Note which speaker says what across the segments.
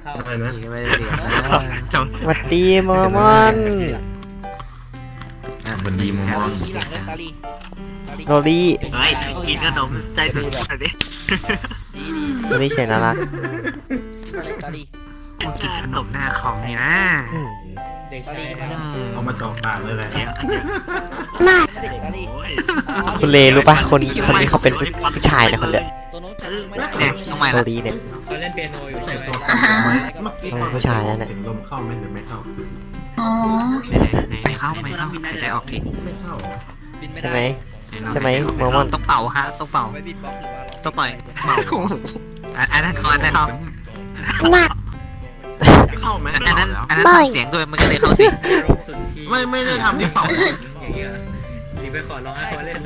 Speaker 1: อะไรนะ
Speaker 2: ไม่ได้เรียนจง
Speaker 3: สวัสดีมอมอน
Speaker 1: วันดีมอง
Speaker 4: ทีหลังเล่นตาลี
Speaker 3: โรลี่
Speaker 2: เฮ้ยกินขนมใจสุดๆดิ
Speaker 4: ดี
Speaker 3: โรลี่เสียงน่ารัก
Speaker 4: ตาลี
Speaker 2: กินขนมหน้าของนี่นะ
Speaker 3: อืม
Speaker 4: ตาลีมาแล้ว
Speaker 1: เอามาจอกปากเลยแหละ
Speaker 2: เดี๋ยว
Speaker 4: ตาลี
Speaker 2: โอ้ย
Speaker 3: คุณเลรู้ปะคนนี้เขาเป็นผู้ชายนะคนเนี้ย
Speaker 4: ตัวโน้ตจะไม่ได้
Speaker 2: เนี่ยทำไม
Speaker 3: โร
Speaker 2: ล่ะ
Speaker 3: ลี่เนี่ย
Speaker 5: เขาเล่นเปียโนอยู่ใช่ไหม
Speaker 1: เมื่อกี้
Speaker 3: ผู้ชายนั่นแหละ
Speaker 1: เสียงลมเข้าไหมหรือไม่เข้า
Speaker 6: อ๋อ
Speaker 2: ไม่เข้าหายใจออกที
Speaker 1: ไม่เข้า
Speaker 4: บินไม่
Speaker 3: ใช่
Speaker 4: ได้
Speaker 3: ไหม ใช่ไหมมอมอน
Speaker 2: ต้องเป่าฮะต้องเป่า
Speaker 4: ไม่บินบล็อกหรือว่า
Speaker 2: ต้องปล่อยเป่าอันนั้นคอนได้เข้า
Speaker 1: เข้าไหม
Speaker 2: อันนั้นทำเสียงด้วยมันก็เลยเข้าสิ
Speaker 5: สุดที่
Speaker 1: ไม่ได้ทำที่เป่า
Speaker 5: อย่างเงี้ยรีบไปขอร้องให้เขาเล่น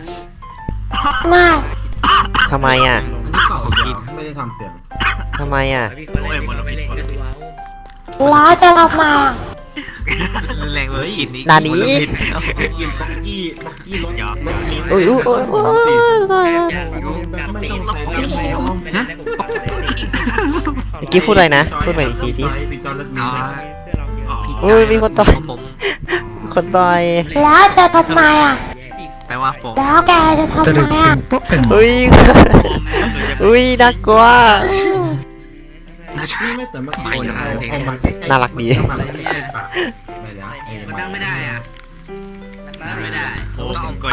Speaker 3: ทำไมอ่ะ
Speaker 1: อันนี้เป่ากินไม่ได้ทำเสียง
Speaker 3: ทำไมอ่ะ
Speaker 5: พี่เขาเล่นเขาไม่เล่นก็ดูเอา
Speaker 6: แล้วจะทำไมอ่ะ
Speaker 2: แรงเลยกินนี้
Speaker 3: นานี้
Speaker 1: กินป๊อกกี้รถมิ้น
Speaker 3: อุ้ยอุ้ยอุ้ยอุ้ยตายแล้ว
Speaker 5: อยากรู้การตีไม่ได้ให้ผมฟังเลย
Speaker 3: เมื่อกี้พูดอะไรนะ พูดใหม่อีกทีสิ
Speaker 1: พี่จอนรถมิ้น
Speaker 3: อุ้ยมีคนต่อย
Speaker 2: ผม
Speaker 3: คนต่อย
Speaker 6: แล้วจะทำไมอ่ะ
Speaker 2: แปลว่าผม
Speaker 6: แล้วแกจะทำไมอ่ะ
Speaker 3: อุ้ยอุ้ยน่ากลัว
Speaker 1: นี่ไม่แต่เมื่อกี้เอามาใกล้ๆ
Speaker 3: น่ารักดี
Speaker 1: เอามาใกล้ๆปากไปแล้ว
Speaker 4: มันดังไม่ได้อ่ะ
Speaker 2: ไม่ได้ต้องเอา